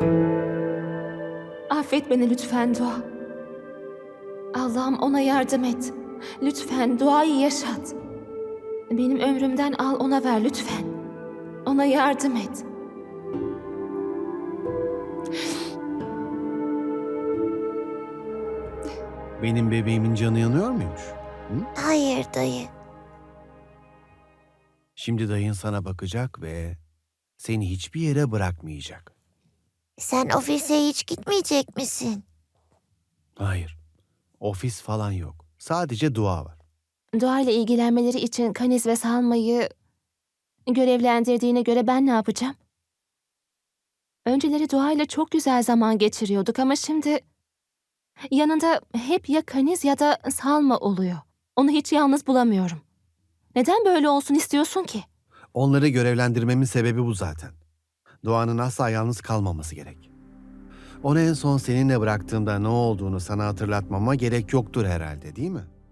Affet beni lütfen Dua. Allah'ım ona yardım et. Lütfen Dua'yı yaşat. Benim ömrümden al ona ver lütfen. Ona yardım et. Benim bebeğimin canı yanıyor muymuş? Hı? Hayır dayı. Şimdi dayın sana bakacak ve seni hiçbir yere bırakmayacak. Sen ofise hiç gitmeyecek misin? Hayır, ofis falan yok. Sadece dua var. Dua ile ilgilenmeleri için Kaniz ve Salma'yı görevlendirdiğine göre ben ne yapacağım? Önceleri Dua ile çok güzel zaman geçiriyorduk ama şimdi yanında hep ya Kaniz ya da Salma oluyor. Onu hiç yalnız bulamıyorum. Neden böyle olsun istiyorsun ki? Onları görevlendirmemin sebebi bu zaten. Duanın asla yalnız kalmaması gerek. Onu en son seninle bıraktığımda ne olduğunu sana hatırlatmama gerek yoktur herhalde, değil mi?